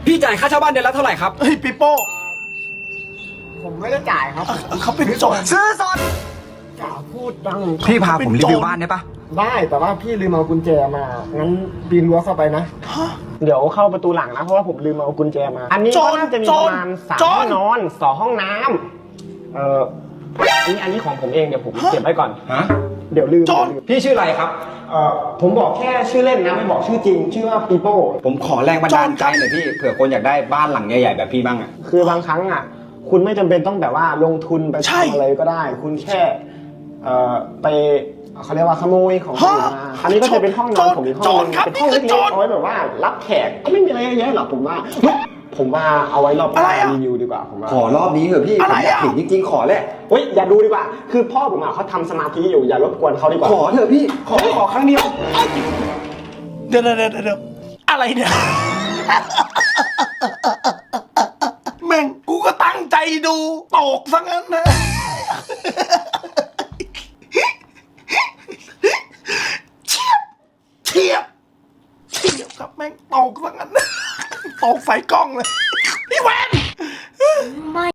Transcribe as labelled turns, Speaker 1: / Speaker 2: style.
Speaker 1: พี่จ่ายค่าเช่าบ้านเดือนละเท่าไหร่ครับ
Speaker 2: เฮ้ยปิโป้
Speaker 3: ผมไม่ได้จ่ายครับ
Speaker 2: เขาเป็นโจร
Speaker 3: ซื้อสดอย่าพูดดัง
Speaker 1: พี่พาผมรีวิวบ้านได้ปะ
Speaker 3: ได้แต่ว่าพี่ลืมเอากุญแจมางั้นปีนรั้วเข้าไปนะ
Speaker 2: ฮะ
Speaker 3: เดี๋ยวเข้าประตูหลังนะเพราะว่าผมลืมเอากุญแจมา อันนี้ก็น่าจะมีประมาณ3 ห้องนอน2 ห้องน้ำอันนี้ของผมเองเดี๋ยวผมเก็บไว้ก่อน
Speaker 1: ฮะ
Speaker 3: เดี๋ยวลืม
Speaker 1: พี่ชื่ออะไรครับ
Speaker 3: ผมบอกแค่ชื่อเล่นนะไม่บอกชื่อจริง ชื่อว่าปีโป้
Speaker 1: ผมขอแรงบันดาลใจหน่อยพี่เผื่อคนอยากได้บ้านหลังใหญ่ๆแบบพี่บ้างอะ
Speaker 3: คือบางครั้งอ่ะ คุณไม่จำเป็นต้องแบบว่าลงทุนไป
Speaker 2: ใช่
Speaker 3: ทำอะไรก็ได้ คุณแค่ไปเขาเรียกว่าขโมยของคนอื่นมาอันนี้ก็จะเป็นห้องนอนผมอีกห้องนึงเป็นห้องเล็กๆเอาไว้แบบว่ารับแขกก็ไม่มีอะไรเยอะแยะหรอกผมว่าผมว่าเอาไว้รอบหน้ารีวิวดีกว่าผมว่า
Speaker 1: ขอรอบนี้เถอะพี่ผมอยากเห็นจริงๆขอแหละ
Speaker 3: เฮ้ยอย่าดูดีกว่า คือพ่อผมอ่ะเขาทำสมาธิอยู่อย่ารบกวนเขาดีกว่า
Speaker 1: ขอเถอะพี่ขอครั้งเดียว
Speaker 2: เดี๋ยวอะไรเนี่ยแม่งกูก็ตั้งใจดูตกซะงั้นนะเทียบครับแม่งตกซะงั้นตกใส่กล้องเลยพี่แวน